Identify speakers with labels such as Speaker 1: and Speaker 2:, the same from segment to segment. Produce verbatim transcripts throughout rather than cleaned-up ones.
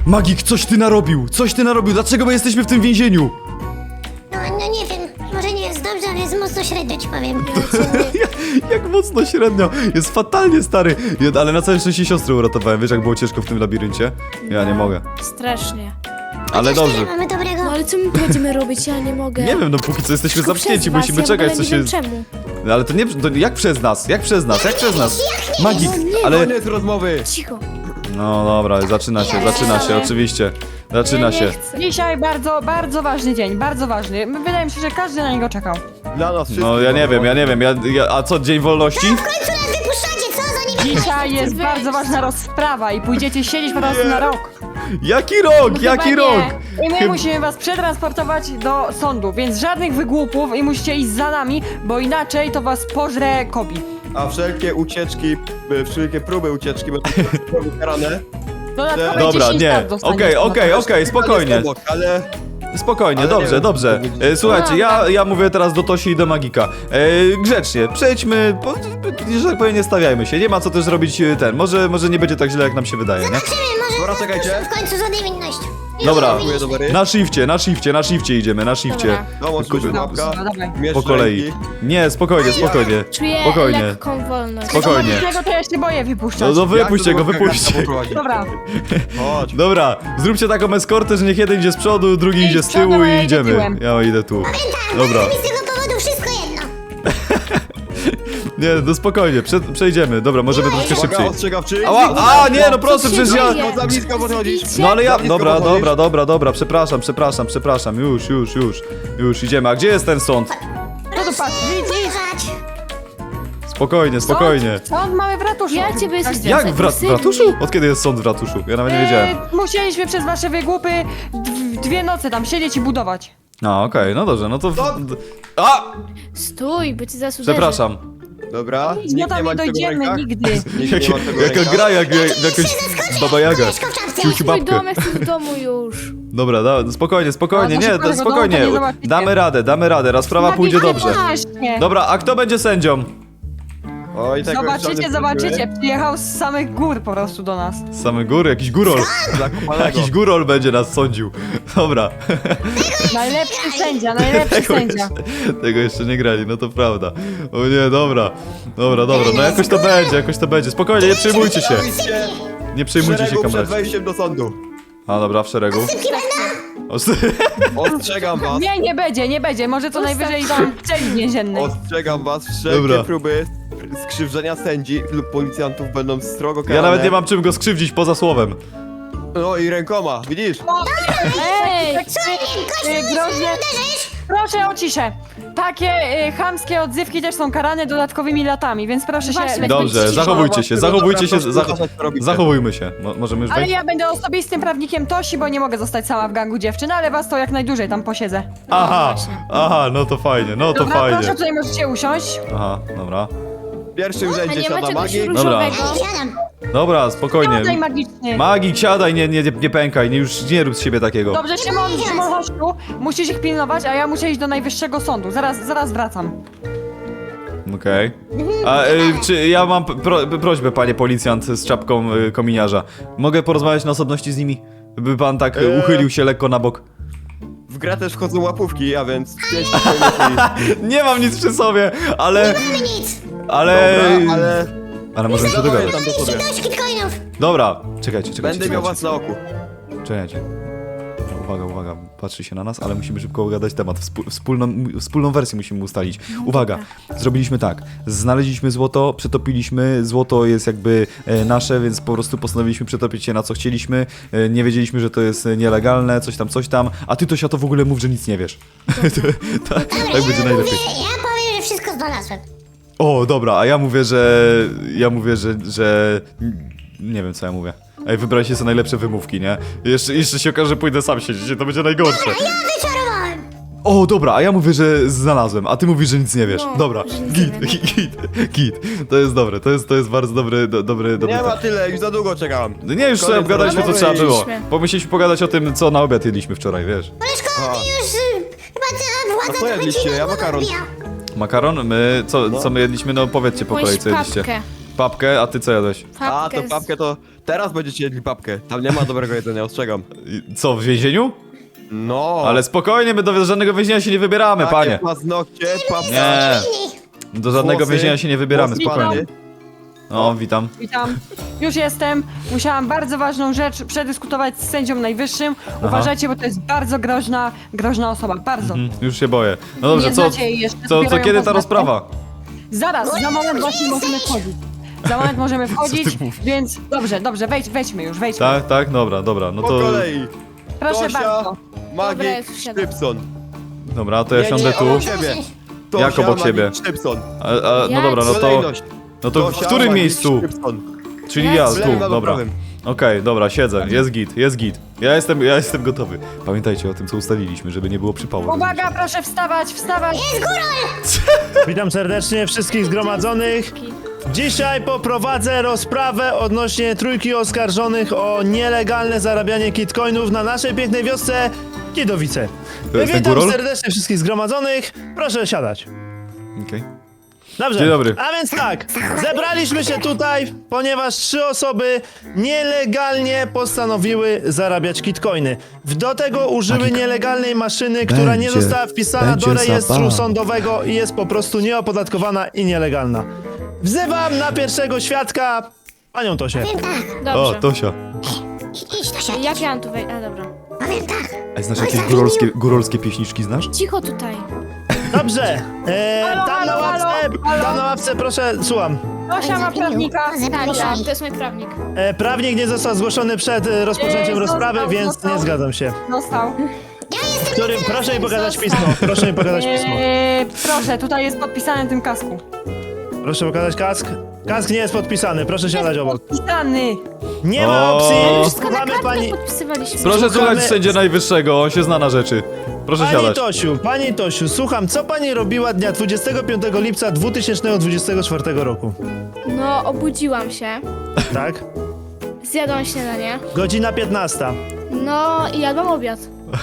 Speaker 1: Magik, coś ty narobił! Coś ty narobił! Dlaczego my jesteśmy w tym więzieniu?
Speaker 2: No, no nie wiem, może nie jest dobrze, ale jest mocno średnio ci powiem.
Speaker 1: Jak mocno średnio! Jest fatalnie, stary! Ja- Ale na całe szczęście siostrę uratowałem. Wiesz, jak było ciężko w tym labiryncie? Ja nie mogę.
Speaker 3: Strasznie.
Speaker 1: Ale
Speaker 2: Chociaż
Speaker 1: dobrze.
Speaker 2: tyle mamy dobrego.
Speaker 3: No ale co my będziemy robić? Ja nie mogę.
Speaker 1: Nie wiem, no póki co jesteśmy
Speaker 3: Tylko
Speaker 1: zamknięci,
Speaker 3: przez was,
Speaker 1: musimy
Speaker 3: ja w
Speaker 1: czekać,
Speaker 3: ogóle
Speaker 1: co
Speaker 3: nie
Speaker 1: się...
Speaker 3: wiem czemu.
Speaker 1: No, ale to nie... To jak przez nas? Jak przez nas? Jak przez nas? Magik,
Speaker 3: No nie,
Speaker 1: ale...
Speaker 4: Koniec rozmowy.
Speaker 3: Cicho.
Speaker 1: No dobra, zaczyna się, zaczyna się, oczywiście. Zaczyna
Speaker 3: nie,
Speaker 1: się.
Speaker 3: nie chcę.
Speaker 5: Dzisiaj bardzo, bardzo ważny dzień, bardzo ważny. Wydaje mi się, że każdy na niego czekał.
Speaker 4: Dla nas wszystkich.
Speaker 1: No ja nie wiem, ja nie wiem, ja, ja, a co, dzień wolności?
Speaker 2: W końcu nas wypuszczacie, co za nimi?
Speaker 5: Dzisiaj jest bardzo ważna rozprawa i pójdziecie siedzieć po prostu na rok.
Speaker 1: Jaki rok,
Speaker 5: Chyba
Speaker 1: jaki
Speaker 5: nie.
Speaker 1: rok?
Speaker 5: I my
Speaker 1: Chyb-
Speaker 5: musimy was przetransportować do sądu, więc żadnych wygłupów i musicie iść za nami, bo inaczej to was pożre kobi.
Speaker 4: A wszelkie ucieczki, y, wszelkie próby ucieczki będą karane.
Speaker 5: Dodatkowe
Speaker 1: Dobra,
Speaker 5: dziesięć
Speaker 1: nie,
Speaker 5: lat dostaniecie
Speaker 1: okej,
Speaker 5: za to.
Speaker 1: okej, okej, spokojnie,
Speaker 4: Obok, ale
Speaker 1: spokojnie,
Speaker 4: Ale nie
Speaker 1: dobrze,
Speaker 4: wiem,
Speaker 1: dobrze.
Speaker 4: co powiedzieć.
Speaker 1: E, Słuchajcie, ja,
Speaker 5: Dobra.
Speaker 1: ja mówię teraz do Tosi i do Magika. E, grzecznie, przejdźmy, po, że tak powiem, nie stawiajmy się, nie ma co też robić e, ten, może, może nie będzie tak źle, jak nam się wydaje, nie?
Speaker 2: Zobaczymy, może
Speaker 4: Dobra, czekajcie.
Speaker 2: w końcu za niewinność.
Speaker 1: Dobra,
Speaker 4: dziękuję, dobry.
Speaker 1: na shifcie, na shifcie, na shifcie idziemy, na shifcie.
Speaker 3: Dobra.
Speaker 4: Dołącz
Speaker 1: Kupię.
Speaker 4: mi łapka.
Speaker 5: No, dawaj.
Speaker 4: Mierz
Speaker 1: Po kolei.
Speaker 4: ręki.
Speaker 1: Nie, spokojnie, spokojnie.
Speaker 3: Czuję
Speaker 1: Spokojnie.
Speaker 3: lekką wolność.
Speaker 1: Spokojnie.
Speaker 5: Tego to ja się boję
Speaker 1: No,
Speaker 5: wypuszczać.
Speaker 1: no wypuśćcie
Speaker 4: Jak
Speaker 1: go,
Speaker 4: to do
Speaker 1: wypuśćcie.
Speaker 4: wakacje poprowadzi?
Speaker 5: Dobra.
Speaker 4: Chodź.
Speaker 1: Dobra, zróbcie taką eskortę, że niech jeden idzie z przodu, drugi
Speaker 5: Idź
Speaker 1: idzie z
Speaker 5: z przodu,
Speaker 1: tyłu
Speaker 5: a ja
Speaker 1: i
Speaker 5: idę
Speaker 1: idziemy.
Speaker 5: tyłem.
Speaker 1: Ja idę tu. Dobra.
Speaker 2: Mi z tego powodu wszystko jedno.
Speaker 1: Nie, no spokojnie, prze, przejdziemy. Dobra, możemy troszkę
Speaker 4: Uwaga,
Speaker 1: szybciej.
Speaker 4: ostrzegawczy.
Speaker 1: Ała, a nie, no proszę,
Speaker 3: Co się
Speaker 1: przecież ja...
Speaker 3: dzieje?
Speaker 4: Bo za blisko podchodzisz.
Speaker 1: No ale ja...
Speaker 4: Za blisko
Speaker 1: Dobra,
Speaker 4: podchodzisz.
Speaker 1: dobra, dobra, dobra, przepraszam, przepraszam, przepraszam. Już, już, już. Już idziemy. A gdzie jest ten sąd?
Speaker 5: No to patrz, idź, idź.
Speaker 2: Uważać.
Speaker 1: Spokojnie, spokojnie.
Speaker 5: Sąd, sąd mamy w ratuszu.
Speaker 3: Ja ciebie
Speaker 5: Tak.
Speaker 3: jestem
Speaker 1: Jak w, ra w
Speaker 3: agresywny.
Speaker 1: ratuszu? Od kiedy jest sąd w ratuszu? Ja nawet nie wiedziałem.
Speaker 5: E, musieliśmy przez wasze wygłupy d- dwie noce tam siedzieć i budować.
Speaker 1: A, okej, no dobrze, no to... A!
Speaker 3: Stój, bo ci zaraz uderzę.
Speaker 1: Przepraszam.
Speaker 4: Dobra.
Speaker 5: Nic, no tam nie
Speaker 4: tego w
Speaker 5: dojdziemy
Speaker 4: rękach.
Speaker 5: nigdy.
Speaker 4: Nikt
Speaker 1: Jak,
Speaker 4: nie ma tego w
Speaker 1: jaka
Speaker 4: rękach.
Speaker 1: gra, jak, jak jakaś Baba Jaga.
Speaker 2: Koleżko w czapce.
Speaker 1: Ciuciu
Speaker 3: Mój
Speaker 1: babkę.
Speaker 3: dom, ja chcę w domu już.
Speaker 1: Dobra, da, spokojnie, spokojnie,
Speaker 5: A, to
Speaker 1: nie,
Speaker 5: szybko
Speaker 1: da,
Speaker 5: tego domu
Speaker 1: spokojnie.
Speaker 5: to nie zobaczycie.
Speaker 1: Damy radę, damy radę, raz sprawa
Speaker 5: Magik,
Speaker 1: pójdzie
Speaker 5: ale
Speaker 1: dobrze.
Speaker 5: Właśnie.
Speaker 1: Dobra, a kto będzie sędzią?
Speaker 4: Oj, tego jeszcze
Speaker 5: Zobaczycie,
Speaker 4: nie
Speaker 5: zobaczycie. Przyjechał z samych gór po prostu do nas.
Speaker 1: Z samej góry, jakiś górol.
Speaker 4: Zakopanego.
Speaker 1: Jakiś górol będzie nas sądził. Dobra.
Speaker 5: Najlepszy sędzia, najlepszy
Speaker 1: Tego
Speaker 5: sędzia.
Speaker 1: jeszcze, tego jeszcze nie grali, no to prawda. O nie, dobra. Dobra, dobra, no jakoś to będzie, jakoś to będzie. Spokojnie, nie przejmujcie się.
Speaker 4: Stoicie
Speaker 1: Nie
Speaker 4: w
Speaker 1: przejmujcie się
Speaker 4: szeregu przed
Speaker 1: kamerą.
Speaker 4: wejściem do sądu.
Speaker 1: A dobra, w szeregu.
Speaker 2: Szybki będą.
Speaker 1: O,
Speaker 4: Ostrzegam was.
Speaker 5: Nie, nie będzie, nie będzie. Może to najwyżej tam w celi więziennej.
Speaker 4: Ostrzegam was. Wszelkie
Speaker 1: Dobra.
Speaker 4: próby skrzywdzenia sędzi lub policjantów będą strogo karane.
Speaker 1: Ja nawet nie mam czym go skrzywdzić poza słowem.
Speaker 4: No i rękoma, widzisz?
Speaker 5: Ej,
Speaker 2: Co? Gościu,
Speaker 5: y, groźnie. Proszę o ciszę. Takie y, chamskie odzywki też są karane dodatkowymi latami, więc proszę się...
Speaker 3: Właśnie.
Speaker 1: Dobrze,
Speaker 3: Cicho.
Speaker 1: zachowujcie się,
Speaker 4: Dobra,
Speaker 1: zachowujcie się,
Speaker 4: proszę
Speaker 1: zach
Speaker 4: uważać, co robicie.
Speaker 1: zachowujmy się. Mo możemy już
Speaker 5: Ale
Speaker 1: wejść?
Speaker 5: ja będę osobistym prawnikiem Tosi, bo nie mogę zostać sama w gangu dziewczyn, ale was to jak najdłużej tam posiedzę.
Speaker 1: Aha,
Speaker 3: właśnie.
Speaker 1: aha, no to fajnie, no to
Speaker 5: Dobra, proszę,
Speaker 1: fajnie.
Speaker 5: tutaj możecie usiąść.
Speaker 1: Aha, dobra.
Speaker 4: W pierwszym
Speaker 3: A
Speaker 4: rzędzie
Speaker 3: nie ma
Speaker 4: siada
Speaker 3: czegoś
Speaker 4: magik.
Speaker 1: Dobra.
Speaker 3: różowego?
Speaker 2: Ja nie siadam.
Speaker 1: Dobra,
Speaker 5: Siadaj
Speaker 1: spokojnie.
Speaker 5: magicznie.
Speaker 1: Magik, siadaj, nie, nie, nie pękaj, nie, już nie rób z siebie takiego.
Speaker 5: Dobrze, Szymon, Szymon, chodź tu. Musisz ich pilnować, a ja muszę iść do najwyższego sądu. Zaraz, zaraz wracam.
Speaker 1: Okej. A y, czy ja mam pro, prośbę, panie policjant z czapką y, kominiarza. Mogę porozmawiać na osobności z nimi? By pan tak y,
Speaker 4: Eee.
Speaker 1: uchylił się lekko na bok.
Speaker 4: W grę też wchodzą łapówki, a więc pięć tysięcy.
Speaker 1: Nie mam nic przy sobie, ale...
Speaker 2: Mamy nic.
Speaker 1: Ale...
Speaker 4: Dobra, ale
Speaker 1: Ale możemy się
Speaker 4: Zadowolę
Speaker 1: dogadać.
Speaker 4: tam do sobie.
Speaker 2: Dość bitcoinów.
Speaker 1: Dobra, czekajcie, czekajcie,
Speaker 4: Będę miał
Speaker 1: czekajcie.
Speaker 4: was na oku.
Speaker 1: Czekajcie. Uwaga, uwaga, patrzy się na nas, ale musimy szybko ugadać temat. Wspól- Wspólną, wspólną wersję musimy ustalić. Uwaga, zrobiliśmy tak. Znaleźliśmy złoto, przetopiliśmy. Złoto jest jakby e, nasze, więc po prostu postanowiliśmy przetopić się na co chcieliśmy. E, nie wiedzieliśmy, że to jest e, nielegalne, coś tam, coś tam. A ty to się to w ogóle mów, że nic nie wiesz. tak, tak
Speaker 2: Dobra,
Speaker 1: będzie
Speaker 2: ja
Speaker 1: najlepiej.
Speaker 2: mówię, ja powiem, że wszystko znalazłem.
Speaker 1: O, dobra, a ja mówię, że... Ja mówię, że... że... Nie wiem, co ja mówię. Ej, wybraliście sobie najlepsze wymówki, nie? Jeszcze, jeszcze się okaże, że pójdę sam siedzieć, to będzie najgorsze.
Speaker 2: Ja wyczarowałem.
Speaker 1: O, dobra, a ja mówię, że znalazłem, a ty mówisz, że nic nie wiesz.
Speaker 3: No,
Speaker 1: Dobra,
Speaker 3: że nic
Speaker 1: git,
Speaker 3: nie wiem.
Speaker 1: git, git, git. To jest dobre, to jest, to jest bardzo dobry, do, dobry, dobry.
Speaker 4: Nie ma
Speaker 1: tak.
Speaker 4: tyle, już za długo czekam.
Speaker 1: No nie, już sobie
Speaker 4: Koniec
Speaker 1: obgadaliśmy, co
Speaker 4: rozmowy.
Speaker 1: trzeba było.
Speaker 3: Idźmy.
Speaker 1: Pomyśleliśmy pogadać o tym, co na obiad jedliśmy wczoraj, wiesz.
Speaker 2: Koleżko,
Speaker 4: A.
Speaker 2: ty już y, chyba ta
Speaker 4: A
Speaker 2: władza
Speaker 4: co
Speaker 2: trochę
Speaker 4: jedliście?
Speaker 2: ci na
Speaker 4: Ja
Speaker 2: głowę
Speaker 4: makaron.
Speaker 2: wbija.
Speaker 1: Makaron, my, co,
Speaker 4: No.
Speaker 1: co my jedliśmy, no powiedzcie po kolei,
Speaker 3: Jakąś
Speaker 1: co jedliście.
Speaker 3: papkę.
Speaker 1: Papkę, a ty co jadłeś?
Speaker 4: A, to
Speaker 3: Papkę z-
Speaker 4: papkę to, Teraz będziecie jedli papkę. Tam nie ma dobrego jedzenia, ostrzegam.
Speaker 1: I Co, w więzieniu?
Speaker 4: No.
Speaker 1: Ale spokojnie, my do żadnego więzienia się nie wybieramy,
Speaker 4: Takie
Speaker 1: panie.
Speaker 4: paznokcie, papka.
Speaker 1: Nie,
Speaker 2: Fajnie.
Speaker 1: do żadnego
Speaker 4: Włosy,
Speaker 1: więzienia się nie wybieramy,
Speaker 4: włosy
Speaker 1: spokojnie.
Speaker 4: pany.
Speaker 1: O, witam.
Speaker 5: Witam. Już jestem. Musiałam bardzo ważną rzecz przedyskutować z sędzią najwyższym. Uważajcie, bo to jest bardzo groźna, groźna osoba. Bardzo.
Speaker 1: Mm, Już się boję. No dobrze,
Speaker 5: Nie
Speaker 1: co,
Speaker 5: znacie jej jeszcze,
Speaker 1: co,
Speaker 5: dopiero
Speaker 1: co
Speaker 5: ją
Speaker 1: kiedy ta
Speaker 5: poznacie.
Speaker 1: rozprawa?
Speaker 5: Zaraz, za moment właśnie możemy wchodzić. Za moment możemy wchodzić, więc dobrze, dobrze, wejdź, wejdźmy już, wejdźmy.
Speaker 1: Tak, tak, dobra, dobra, no
Speaker 4: Po
Speaker 1: to...
Speaker 4: kolei.
Speaker 5: Proszę
Speaker 4: Tosia,
Speaker 5: bardzo.
Speaker 3: Dobra,
Speaker 4: Magik,
Speaker 3: już wsiadam.
Speaker 4: Szczypson.
Speaker 1: Dobra, to ja
Speaker 4: Nie,
Speaker 1: siądę
Speaker 4: nie,
Speaker 1: tu.
Speaker 4: obok siebie. Tosia,
Speaker 1: Jak obok
Speaker 4: Magik,
Speaker 1: siebie?
Speaker 4: Szczypson.
Speaker 1: A, a, no
Speaker 3: Jak?
Speaker 1: dobra, no to...
Speaker 4: Kolejność.
Speaker 1: No to w
Speaker 4: Tosia,
Speaker 1: którym
Speaker 4: Magik,
Speaker 1: miejscu?
Speaker 4: Szczypson.
Speaker 1: Czyli
Speaker 3: Ja
Speaker 1: ja,
Speaker 4: z lewym
Speaker 1: tu,
Speaker 4: albo
Speaker 1: dobra.
Speaker 4: prawym.
Speaker 1: Okej, dobra, siedzę, jest git, jest git. Ja jestem, ja jestem gotowy. Pamiętajcie o tym, co ustaliliśmy, żeby nie było przypału.
Speaker 5: Uwaga, proszę wstawać, wstawać.
Speaker 6: Witam serdecznie wszystkich zgromadzonych. Dzisiaj poprowadzę rozprawę odnośnie trójki oskarżonych o nielegalne zarabianie kitcoinów na naszej pięknej wiosce Kidowice.
Speaker 1: To jest ten
Speaker 6: Witam
Speaker 1: górol?
Speaker 6: serdecznie wszystkich zgromadzonych. Proszę siadać.
Speaker 1: Okej.
Speaker 6: Dobrze.
Speaker 1: Dzień dobry.
Speaker 6: A więc tak, zebraliśmy się tutaj, ponieważ trzy osoby nielegalnie postanowiły zarabiać kitcoiny. Do tego użyły nielegalnej maszyny, która nie
Speaker 1: Będzie-
Speaker 6: została wpisana
Speaker 1: będzie
Speaker 6: do rejestru
Speaker 1: zabawa.
Speaker 6: sądowego i jest po prostu nieopodatkowana i nielegalna. Wzywam na pierwszego świadka panią Tosię.
Speaker 2: Powiem tak,
Speaker 1: O,
Speaker 3: Dobrze.
Speaker 1: Tosia.
Speaker 2: idź to się.
Speaker 3: Jak ja mam tu wejść? A, dobra.
Speaker 2: Powiem tak.
Speaker 1: A znasz jakieś górolskie, górolskie pieśniczki, znasz?
Speaker 3: Cicho tutaj.
Speaker 6: Dobrze, e,
Speaker 5: Halo,
Speaker 6: tam na
Speaker 5: halo,
Speaker 6: ławce,
Speaker 5: halo,
Speaker 6: tam na ławce, proszę, słucham.
Speaker 5: Tosia ma prawnika.
Speaker 2: Zebrali
Speaker 3: Tak,
Speaker 2: się.
Speaker 3: to jest mój prawnik.
Speaker 6: E, prawnik nie został zgłoszony przed e, rozpoczęciem
Speaker 5: E,
Speaker 6: rozprawy,
Speaker 5: został,
Speaker 6: więc
Speaker 5: został.
Speaker 6: nie zgadzam się.
Speaker 5: Dostał.
Speaker 2: Ja jestem
Speaker 6: Którym, proszę mi pokazać pismo, proszę mi pokazać pismo.
Speaker 5: Eee, proszę, tutaj jest podpisane na tym kasku.
Speaker 6: Proszę pokazać kask. Kask nie jest podpisany, proszę siadać obok.
Speaker 5: Podpisany.
Speaker 6: Nie ma
Speaker 1: O.
Speaker 6: opcji,
Speaker 3: Wszystko na
Speaker 6: słuchamy
Speaker 3: kartę
Speaker 6: pani...
Speaker 3: podpisywaliśmy.
Speaker 1: Proszę
Speaker 6: Słuchamy-
Speaker 1: słuchać sędzia najwyższego, on się zna na rzeczy. Proszę
Speaker 6: Pani
Speaker 1: siadać.
Speaker 6: Tosiu, pani Tosiu, słucham, co pani robiła dnia dwudziestego piątego lipca dwa tysiące dwudziestego czwartego roku?
Speaker 3: No, obudziłam się.
Speaker 6: Tak?
Speaker 3: Zjadłam śniadanie.
Speaker 6: Godzina piętnasta.
Speaker 3: No i jadłam obiad.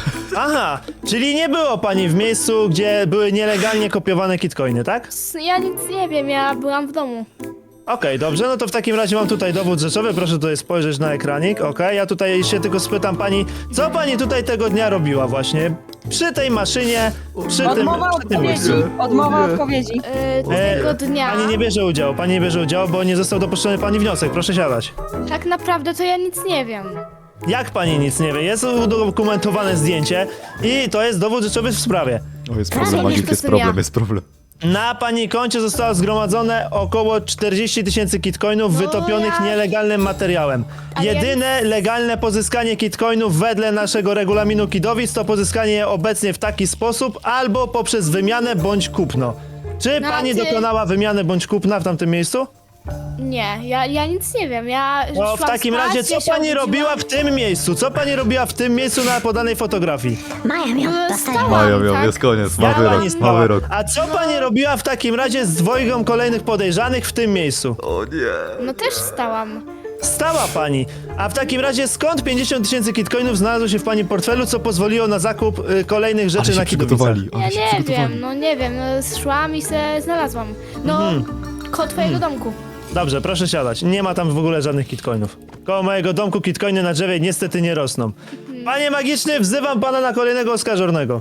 Speaker 6: Aha, czyli nie było pani w miejscu, gdzie były nielegalnie kopiowane kitcoiny, tak?
Speaker 3: S- Ja nic nie wiem, ja byłam w domu.
Speaker 6: Okej, dobrze, no to w takim razie mam tutaj dowód rzeczowy, proszę tutaj spojrzeć na ekranik, okej? Ja tutaj się tylko spytam pani, co pani tutaj tego dnia robiła właśnie? Przy tej maszynie, przy tym,
Speaker 5: Odmowa
Speaker 6: przy tym
Speaker 5: odpowiedzi.
Speaker 6: miejscu.
Speaker 5: Odmowa odpowiedzi.
Speaker 3: Yy,
Speaker 6: E,
Speaker 3: tego dnia.
Speaker 6: Pani nie bierze udziału, pani nie bierze udziału, bo nie został dopuszczony pani wniosek, proszę siadać.
Speaker 3: Tak naprawdę to ja nic nie wiem.
Speaker 6: Jak pani nic nie wie? Jest udokumentowane zdjęcie i to jest dowód rzeczowy w sprawie.
Speaker 1: O, jest
Speaker 3: Prawie
Speaker 1: problem,
Speaker 3: wiesz,
Speaker 1: Magik,
Speaker 3: to
Speaker 1: jest
Speaker 3: jestem
Speaker 1: problem,
Speaker 3: ja.
Speaker 1: jest problem.
Speaker 6: Na pani koncie zostało zgromadzone około czterdzieści tysięcy kitcoinów
Speaker 3: No
Speaker 6: wytopionych
Speaker 3: ja-
Speaker 6: nielegalnym materiałem.
Speaker 3: A ja
Speaker 6: Jedyne legalne pozyskanie kitcoinów wedle naszego regulaminu Kidowic to pozyskanie je obecnie w taki sposób albo poprzez wymianę bądź kupno. Czy
Speaker 3: No, a
Speaker 6: pani
Speaker 3: ty-
Speaker 6: dokonała wymiany bądź kupna w tamtym miejscu?
Speaker 3: Nie, ja, ja nic nie wiem. Ja
Speaker 6: No w
Speaker 3: szłam
Speaker 6: takim
Speaker 3: spać,
Speaker 6: razie
Speaker 3: ja
Speaker 6: co
Speaker 3: się
Speaker 6: pani
Speaker 3: obudziłam.
Speaker 6: robiła w tym miejscu? Co pani robiła w tym miejscu na podanej fotografii?
Speaker 2: Maja miał,
Speaker 3: No,
Speaker 2: dostaję.
Speaker 3: stałam.
Speaker 1: Maja, miał,
Speaker 3: tak.
Speaker 1: jest koniec, ma
Speaker 6: Jak
Speaker 1: wyrok,
Speaker 6: pani
Speaker 1: ma
Speaker 6: stała?
Speaker 1: wyrok.
Speaker 6: A co pani robiła w takim razie z dwojgą kolejnych podejrzanych w tym miejscu?
Speaker 1: O nie.
Speaker 3: No też stałam.
Speaker 6: Stała pani. A w takim razie skąd pięćdziesiąt tysięcy kitcoinów znalazło się w pani portfelu, co pozwoliło na zakup y, kolejnych rzeczy
Speaker 1: Ale się
Speaker 6: na Kidowicach?
Speaker 1: przygotowali,
Speaker 3: Ja
Speaker 1: ale się
Speaker 3: nie
Speaker 1: przygotowali.
Speaker 3: wiem, no nie wiem, no szłam i se znalazłam. No, koło twojego domku.
Speaker 6: Dobrze, proszę siadać. Nie ma tam w ogóle żadnych kitcoinów. Koło mojego domku kitcoiny na drzewie niestety nie rosną. Panie magiczny, wzywam pana na kolejnego oskarżonego.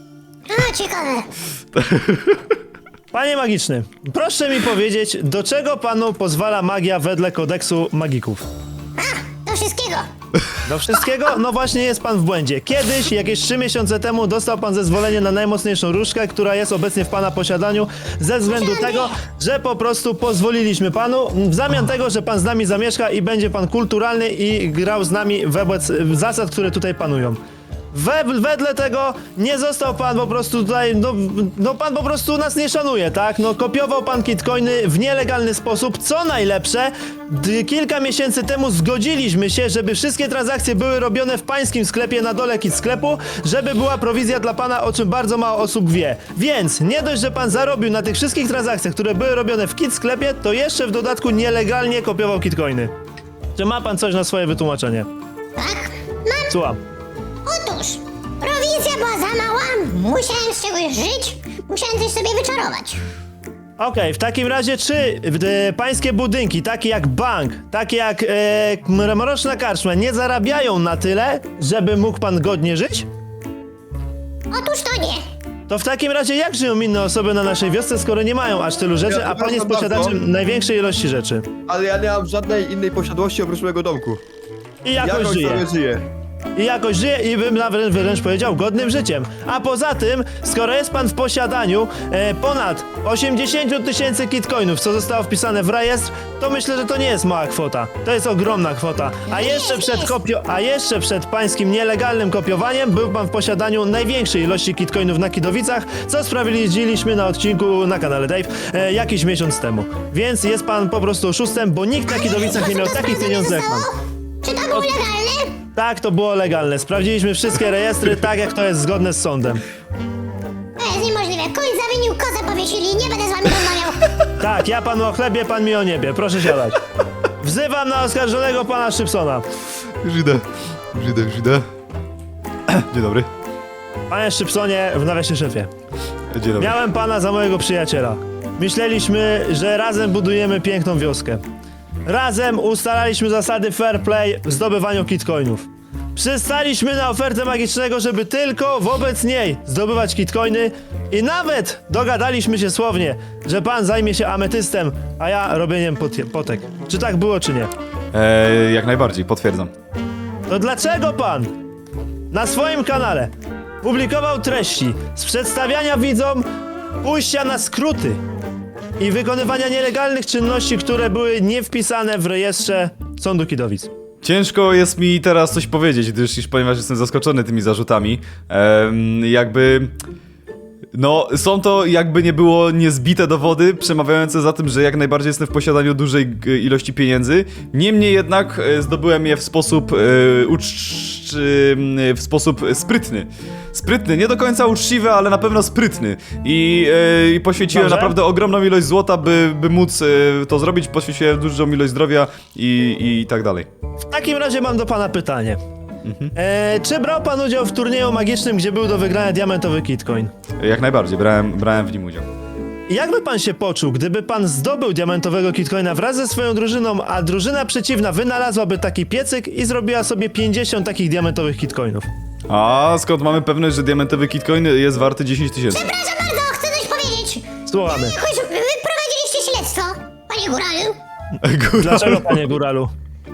Speaker 2: A, ciekawe.
Speaker 6: Panie magiczny, proszę mi powiedzieć, do czego panu pozwala magia wedle kodeksu magików?
Speaker 2: Do wszystkiego.
Speaker 6: Do wszystkiego? No właśnie jest pan w błędzie. Kiedyś, jakieś trzy miesiące temu, dostał pan zezwolenie na najmocniejszą różdżkę, która jest obecnie w pana posiadaniu, ze względu tego, że po prostu pozwoliliśmy panu, w zamian tego, że pan z nami zamieszka i będzie pan kulturalny i grał z nami wobec zasad, które tutaj panują. We, wedle tego nie został pan po prostu tutaj, no, no pan po prostu nas nie szanuje, tak? No kopiował pan kitcoiny w nielegalny sposób, co najlepsze, d- kilka miesięcy temu zgodziliśmy się, żeby wszystkie transakcje były robione w pańskim sklepie na dole kit sklepu, żeby była prowizja dla pana, o czym bardzo mało osób wie. Więc nie dość, że pan zarobił na tych wszystkich transakcjach, które były robione w kit sklepie, to jeszcze w dodatku nielegalnie kopiował kitcoiny. Czy ma pan coś na swoje wytłumaczenie?
Speaker 2: Tak? Mam.
Speaker 6: Słucham.
Speaker 2: Otóż, prowizja była za mała, musiałem z czegoś żyć, musiałem coś sobie wyczarować.
Speaker 6: Okej, w takim razie czy e, pańskie budynki, takie jak bank, takie jak e, mroczna karczma, nie zarabiają na tyle, żeby mógł pan godnie żyć?
Speaker 2: Otóż to nie.
Speaker 6: To w takim razie jak żyją inne osoby na naszej wiosce, skoro nie mają aż tylu rzeczy,
Speaker 4: Ja
Speaker 6: a pan jest
Speaker 4: przepraszam
Speaker 6: posiadaczem
Speaker 4: bardzo.
Speaker 6: największej ilości rzeczy?
Speaker 4: Ale ja nie mam żadnej innej posiadłości oprócz mojego domku.
Speaker 6: I jakoś
Speaker 4: Jakoś
Speaker 6: żyje.
Speaker 4: sobie żyję.
Speaker 6: I jakoś żyje i bym nawet wręcz powiedział godnym życiem. A poza tym, skoro jest pan w posiadaniu e, ponad osiemdziesiąt tysięcy kitcoinów, co zostało wpisane w rejestr, to myślę, że to nie jest mała kwota. To jest ogromna kwota. A jeszcze przed kopio, a jeszcze przed pańskim nielegalnym kopiowaniem był pan w posiadaniu największej ilości kitcoinów na Kidowicach, co sprawdziliśmy na odcinku na kanale Dave e, jakiś miesiąc temu. Więc jest pan po prostu oszustem, bo nikt na Kidowicach nie miał takich pieniędzy jak pan.
Speaker 2: Czy to było legalne?
Speaker 6: Tak, to było legalne. Sprawdziliśmy wszystkie rejestry, tak jak to jest zgodne z sądem.
Speaker 2: To jest niemożliwe. Koń zawinił, kozę powiesili. Nie będę z wami rozmawiał.
Speaker 6: Tak, ja panu o chlebie, pan mi o niebie. Proszę siadać. Wzywam na oskarżonego pana Szczypsona.
Speaker 1: Już idę, już idę, już idę. Dzień dobry.
Speaker 6: Panie Szczypsonie, w nawiasie szefie.
Speaker 1: Dzień dobry.
Speaker 6: Miałem pana za mojego przyjaciela. Myśleliśmy, że razem budujemy piękną wioskę. Razem ustalaliśmy zasady fair play w zdobywaniu kitcoinów. Przystaliśmy na ofertę magicznego, żeby tylko wobec niej zdobywać kitcoiny i nawet dogadaliśmy się słownie, że pan zajmie się ametystem, a ja robieniem pot- potek. Czy tak było, czy nie?
Speaker 1: Eee, jak najbardziej, potwierdzam.
Speaker 6: To dlaczego pan na swoim kanale publikował treści z przedstawiania widzom pójścia na skróty i wykonywania nielegalnych czynności, które były niewpisane w rejestrze Sądu Kidowic?
Speaker 1: Ciężko jest mi teraz coś powiedzieć, gdyż iż ponieważ jestem zaskoczony tymi zarzutami. Ehm, jakby... No, są to jakby nie było niezbite dowody przemawiające za tym, że jak najbardziej jestem w posiadaniu dużej g- ilości pieniędzy. Niemniej jednak e, zdobyłem je w sposób e, ucz- e, w sposób sprytny. Sprytny, nie do końca uczciwy, ale na pewno sprytny. I, e, i poświęciłem
Speaker 6: Dobrze.
Speaker 1: naprawdę ogromną ilość złota, by, by móc e, to zrobić. Poświęciłem dużą ilość zdrowia i, i tak dalej.
Speaker 6: W takim razie mam do pana pytanie. E, czy brał pan udział w turnieju magicznym, gdzie był do wygrania diamentowy kitcoin?
Speaker 1: Jak najbardziej, brałem, brałem w nim udział.
Speaker 6: Jak pan się poczuł, gdyby pan zdobył diamentowego kitcoina wraz ze swoją drużyną, a drużyna przeciwna wynalazłaby taki piecyk i zrobiła sobie pięćdziesiąt takich diamentowych kitcoinów?
Speaker 1: A skąd mamy pewność, że diamentowy kitcoin jest warty dziesięć tysięcy?
Speaker 2: Przepraszam bardzo, chcę coś powiedzieć.
Speaker 6: Słuchamy.
Speaker 2: Jakoś wy prowadziliście śledztwo, panie Góralu.
Speaker 6: Dlaczego, panie Góralu?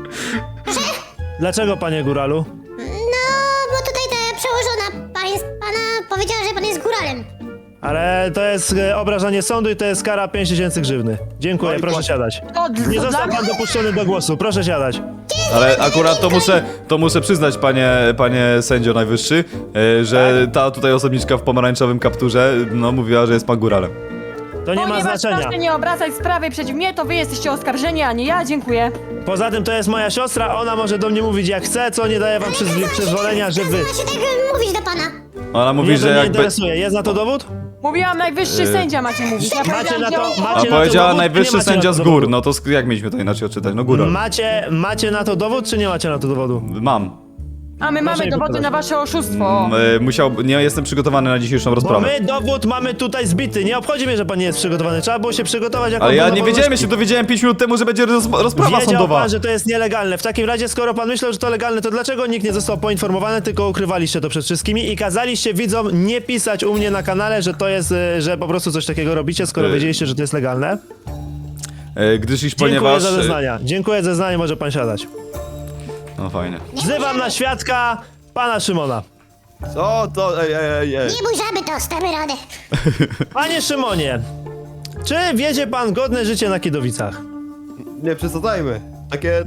Speaker 6: Dlaczego, panie Góralu?
Speaker 2: No, bo tutaj ta przełożona pan jest, pana powiedziała, że pan jest góralem.
Speaker 6: Ale to jest e, obrażanie sądu i to jest kara pięć tysięcy grzywny. Dziękuję,
Speaker 4: Oj,
Speaker 6: proszę
Speaker 4: Boże.
Speaker 6: siadać.
Speaker 5: To,
Speaker 6: Nie
Speaker 5: to dla
Speaker 6: został pan dopuszczony do głosu, proszę siadać.
Speaker 1: Ale akurat to muszę, to muszę przyznać, panie, panie sędzio najwyższy, e, że ta tutaj osobniczka w pomarańczowym kapturze, no mówiła, że jest pan góralem.
Speaker 6: To nie ma
Speaker 5: Ponieważ
Speaker 6: znaczenia.
Speaker 5: proszę nie obracać sprawy przeciw mnie, to wy jesteście oskarżeni, a nie ja, dziękuję.
Speaker 6: Poza tym to jest moja siostra, ona może do mnie mówić jak chce, co nie daje wam przyz- przyzwolenia, że wy...
Speaker 2: Ma się tak e, mówić do pana.
Speaker 1: Ona mówi,
Speaker 6: Mnie to
Speaker 1: że
Speaker 6: nie
Speaker 1: jakby...
Speaker 6: interesuje, jest na to dowód?
Speaker 5: Mówiłam najwyższy
Speaker 1: Yy.
Speaker 5: sędzia macie mówić. Ja
Speaker 6: Macie
Speaker 5: powiedziałam,
Speaker 6: na to-
Speaker 5: gdzie-
Speaker 6: macie
Speaker 1: A
Speaker 6: na to
Speaker 1: powiedziała
Speaker 6: dowód,
Speaker 1: najwyższy
Speaker 6: nie macie
Speaker 1: sędzia
Speaker 6: na
Speaker 1: z
Speaker 6: to
Speaker 1: gór,
Speaker 6: dowodu?
Speaker 1: no to sk- jak mieliśmy to inaczej odczytać? No góral.
Speaker 6: Macie, macie na to dowód, czy nie macie na to dowodu?
Speaker 1: Mam.
Speaker 5: A my mamy
Speaker 6: mi
Speaker 5: dowody
Speaker 6: pokazać.
Speaker 5: na wasze oszustwo.
Speaker 1: M, e, musiał... Nie jestem przygotowany na dzisiejszą
Speaker 6: Bo
Speaker 1: rozprawę.
Speaker 6: my dowód mamy tutaj zbity, nie obchodzi mnie, że pan nie jest przygotowany, trzeba było się przygotować jako
Speaker 1: Ale ja
Speaker 6: obrona
Speaker 1: nie wiedziałem, ja
Speaker 6: wolności.
Speaker 1: się dowiedziałem pięć minut temu, że będzie roz, rozprawa
Speaker 6: Wiedział
Speaker 1: sądowa.
Speaker 6: pan, że to jest nielegalne. W takim razie, skoro pan myślał, że to legalne, to dlaczego nikt nie został poinformowany, tylko ukrywaliście to przed wszystkimi i kazaliście widzom nie pisać u mnie na kanale, że to jest, e, że po prostu coś takiego robicie, skoro
Speaker 1: E.
Speaker 6: wiedzieliście, że to jest legalne?
Speaker 1: E, gdyż iż
Speaker 6: Dziękuję
Speaker 1: ponieważ...
Speaker 6: za
Speaker 1: e,
Speaker 6: zeznania. Dziękuję za zeznanie, może pan siadać.
Speaker 1: No fajnie.
Speaker 6: Wzywam na świadka pana Szymona.
Speaker 4: Co to? Ej, ej, ej, ej.
Speaker 2: Nie bój żaby, to stamy radę.
Speaker 6: Panie Szymonie, czy wiedzie pan godne życie na Kidowicach?
Speaker 4: Nie przesadzajmy. Takie...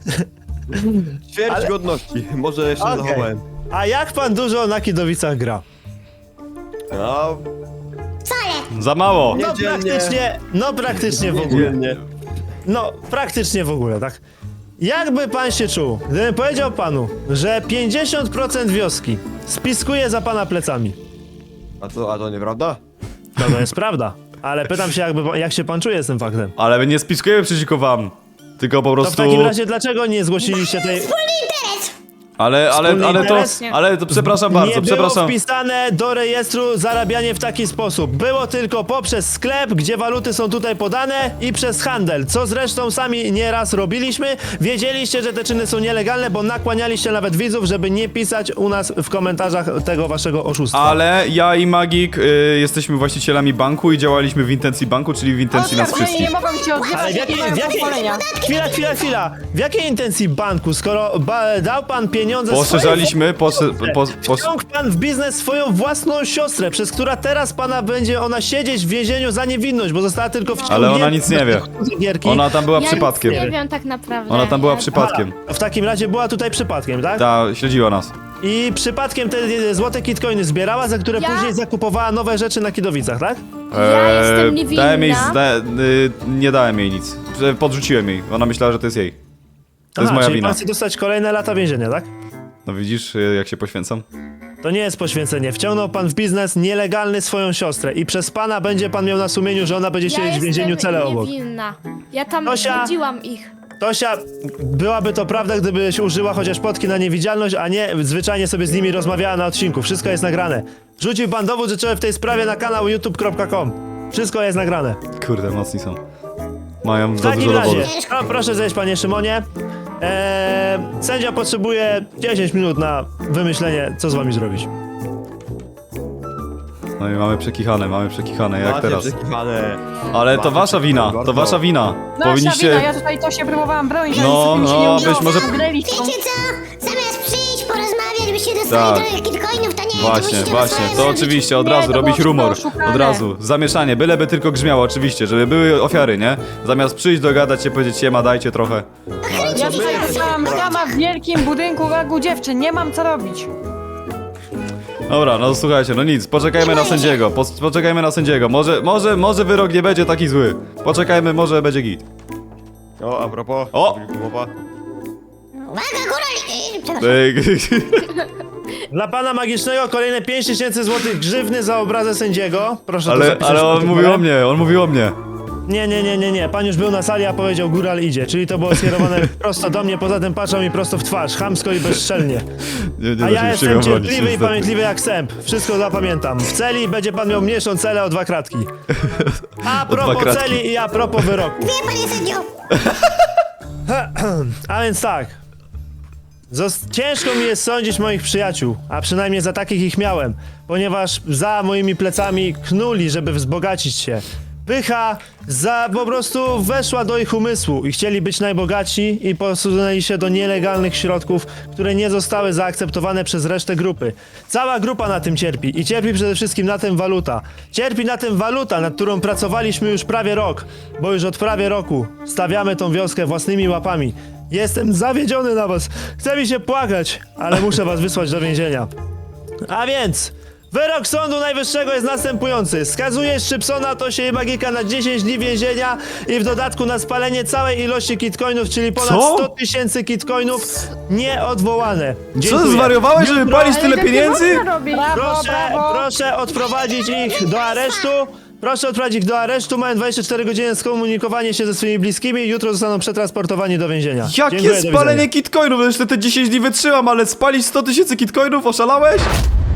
Speaker 4: Ćwierć
Speaker 6: Ale-
Speaker 4: godności. Może jeszcze nie
Speaker 6: Okej.
Speaker 4: zachowałem.
Speaker 6: A jak pan dużo na Kidowicach gra?
Speaker 4: No,
Speaker 2: Wcale.
Speaker 1: Za mało.
Speaker 4: Nie.
Speaker 6: No
Speaker 4: Niedzielnie.
Speaker 6: praktycznie, no praktycznie w ogóle.
Speaker 4: dzielnie.
Speaker 6: No, praktycznie w ogóle, tak? Jakby pan się czuł, gdybym powiedział panu, że pięćdziesiąt procent wioski spiskuje za pana plecami?
Speaker 4: A co, a to nieprawda?
Speaker 6: No to jest prawda, ale pytam się, jakby, jak się pan czuje z tym faktem?
Speaker 1: Ale my nie spiskujemy przeciwko wam. Tylko po
Speaker 6: To w
Speaker 1: prostu...
Speaker 6: takim razie dlaczego nie zgłosiliście tej...
Speaker 2: Wspólny interes.
Speaker 1: Ale, ale,
Speaker 6: Wspólny
Speaker 1: ale to,
Speaker 6: interes?
Speaker 1: ale to przepraszam bardzo,
Speaker 6: nie
Speaker 1: przepraszam.
Speaker 6: było wpisane do rejestru zarabianie w taki sposób. Było tylko poprzez sklep, gdzie waluty są tutaj podane i przez handel, co zresztą sami nieraz robiliśmy. Wiedzieliście, że te czyny są nielegalne, bo nakłanialiście nawet widzów, żeby nie pisać u nas w komentarzach tego waszego oszustwa.
Speaker 1: Ale ja i Magik y, jesteśmy właścicielami banku i działaliśmy w intencji banku, czyli w intencji nas
Speaker 5: Oskarżeni
Speaker 1: wszystkich.
Speaker 5: nie mogą cię
Speaker 6: Ale
Speaker 5: odzywać,
Speaker 6: w jakiej,
Speaker 5: nie mają
Speaker 6: w jakiej,
Speaker 5: pozwolenia.
Speaker 6: chwila, chwila, chwila. W jakiej intencji banku, skoro ba, dał pan pieniądze
Speaker 1: Poszerzaliśmy, posze,
Speaker 6: swojej
Speaker 1: po,
Speaker 6: siostrze?
Speaker 1: po,
Speaker 6: Wciąg pan w biznes swoją własną siostrę, przez która teraz pana będzie ona siedzieć w więzieniu za niewinność, bo została tylko wciągnięta.
Speaker 1: Ale ona nic nie wie.
Speaker 6: do gierki.
Speaker 1: Ona tam była
Speaker 3: Ja
Speaker 1: przypadkiem.
Speaker 3: nic nie wiem tak naprawdę.
Speaker 1: Ona tam była
Speaker 3: Ja-
Speaker 1: przypadkiem.
Speaker 6: A, w takim razie była tutaj przypadkiem, tak?
Speaker 1: Ta, śledziła nas.
Speaker 6: I przypadkiem te e, złote kitcoiny zbierała, za które
Speaker 3: Ja?
Speaker 6: później zakupowała nowe rzeczy na Kidowicach, tak?
Speaker 3: Ja jestem
Speaker 1: Eee, Dałem jej,
Speaker 3: niewinna.
Speaker 1: zda, y, nie dałem jej nic. Że Podrzuciłem jej. Ona myślała, że to jest jej. To jest
Speaker 6: Aha,
Speaker 1: moja
Speaker 6: czyli
Speaker 1: wina.
Speaker 6: pan chce dostać kolejne lata więzienia, tak?
Speaker 1: No widzisz, y, jak się poświęcam?
Speaker 6: To nie jest poświęcenie. Wciągnął pan w biznes nielegalny swoją siostrę i przez pana będzie pan miał na sumieniu, że ona będzie
Speaker 3: Ja
Speaker 6: siedzieć w więzieniu
Speaker 3: jestem
Speaker 6: cele obok.
Speaker 3: niewinna. Ja tam
Speaker 6: Tosia!
Speaker 3: budziłam ich.
Speaker 6: Tosia, byłaby to prawda, gdybyś użyła chociaż potki na niewidzialność, a nie zwyczajnie sobie z nimi rozmawiała na odcinku. Wszystko jest nagrane. Rzucił pan dowód rzeczowy w tej sprawie na kanał youtube kropka com. Wszystko jest nagrane.
Speaker 1: Kurde, mocni są. Mają
Speaker 6: W
Speaker 1: za
Speaker 6: takim
Speaker 1: dużo
Speaker 6: razie,
Speaker 1: dowodu.
Speaker 6: no, proszę zejść, panie Szymonie. Eee, sędzia potrzebuje dziesięć minut na wymyślenie, co z wami zrobić.
Speaker 1: No i mamy przekichane, mamy przekichane, jak
Speaker 4: Macie
Speaker 1: teraz.
Speaker 4: przekichane.
Speaker 1: Ale to
Speaker 4: Macie
Speaker 1: wasza wina,
Speaker 4: przekichane,
Speaker 1: to
Speaker 4: bardzo.
Speaker 1: wasza wina.
Speaker 5: Nasza
Speaker 1: Powinniście...
Speaker 5: wina, ja tutaj to się próbowałam bronić,
Speaker 1: No,
Speaker 5: ale sobie mi się
Speaker 1: no,
Speaker 5: nie
Speaker 1: być
Speaker 5: udało.
Speaker 1: może-
Speaker 5: Greliście.
Speaker 2: Wiecie co? Zamiast przyjść, porozmawiać, byście dostali
Speaker 1: Tak.
Speaker 2: trochę kitcoinów, to nie, to
Speaker 1: Właśnie,
Speaker 2: musicie na
Speaker 1: właśnie,
Speaker 2: swoje
Speaker 1: to
Speaker 2: zrobić.
Speaker 1: oczywiście, od
Speaker 5: Nie,
Speaker 1: razu
Speaker 5: to
Speaker 1: robić
Speaker 5: było
Speaker 1: rumor.
Speaker 5: wszystko oszukane.
Speaker 1: Od razu, zamieszanie, byleby tylko grzmiało, oczywiście, żeby były ofiary, nie? Zamiast przyjść, dogadać się, powiedzieć siema, dajcie trochę.
Speaker 5: Ja tutaj dostałam sama w wielkim budynku ragu dziewczyn, nie mam co robić.
Speaker 1: Dobra, no słuchajcie, no nic, poczekajmy na sędziego, po, poczekajmy na sędziego. Może, może, może wyrok nie będzie taki zły. Poczekajmy, może będzie git.
Speaker 4: O, a propos.
Speaker 1: O!
Speaker 4: Głowa.
Speaker 2: Uwaga, góra! Yy, przepraszam.
Speaker 1: Ej,
Speaker 6: Dla pana magicznego kolejne pięć tysięcy złotych grzywny za obrazę sędziego. Proszę to
Speaker 1: Ale,
Speaker 6: zapisać
Speaker 1: ale
Speaker 6: w
Speaker 1: on
Speaker 6: protokole.
Speaker 1: mówił o mnie, on mówił o mnie.
Speaker 6: Nie, nie, nie, nie, nie. Pan już był na sali, a powiedział góral idzie. Czyli to było skierowane prosto do mnie, poza tym patrzał mi prosto w twarz, chamsko i bezczelnie.
Speaker 1: Nie, nie
Speaker 6: A
Speaker 1: da
Speaker 6: ja
Speaker 1: się
Speaker 6: jestem
Speaker 1: bronić,
Speaker 6: cierpliwy i
Speaker 1: niestety.
Speaker 6: pamiętliwy jak sęp. Wszystko zapamiętam. W celi będzie pan miał mniejszą celę o dwa kratki. A
Speaker 1: dwa
Speaker 6: propos
Speaker 1: kratki.
Speaker 6: celi i a propos wyroku.
Speaker 2: Wie, panie sędzio!
Speaker 6: A więc tak. Zos- ciężko mi jest sądzić moich przyjaciół, a przynajmniej za takich ich miałem, ponieważ za moimi plecami knuli, żeby wzbogacić się. Pycha za po prostu weszła do ich umysłu i chcieli być najbogatsi i posunęli się do nielegalnych środków, które nie zostały zaakceptowane przez resztę grupy. Cała grupa na tym cierpi i cierpi przede wszystkim na tym waluta. Cierpi na tym waluta, nad którą pracowaliśmy już prawie rok, bo już od prawie roku stawiamy tą wioskę własnymi łapami. Jestem zawiedziony na was. Chce mi się płakać, ale muszę was wysłać do więzienia. A więc, wyrok Sądu Najwyższego jest następujący. Skazuje Szczypsona, Tosię i Magika na dziesięć dni więzienia i w dodatku na spalenie całej ilości kitcoinów, czyli ponad
Speaker 1: Co?
Speaker 6: sto tysięcy kitcoinów nieodwołane.
Speaker 1: Co,
Speaker 6: Dziękuję.
Speaker 1: zwariowałeś, żeby
Speaker 6: Jutro-
Speaker 1: palić tyle
Speaker 3: tak nie
Speaker 1: pieniędzy?
Speaker 3: można robić.
Speaker 5: Brawo,
Speaker 6: Proszę,
Speaker 5: brawo.
Speaker 6: proszę odprowadzić ich do aresztu. Proszę odprowadzić ich do aresztu. Mają dwadzieścia cztery godziny na skomunikowanie się ze swoimi bliskimi. Jutro zostaną przetransportowani do więzienia.
Speaker 1: Jakie
Speaker 6: Dziękuję, do
Speaker 1: spalenie
Speaker 6: widzenia.
Speaker 1: kitcoinów? Jeszcze te dziesięć dni wytrzymam, ale spalić sto tysięcy kitcoinów? Oszalałeś?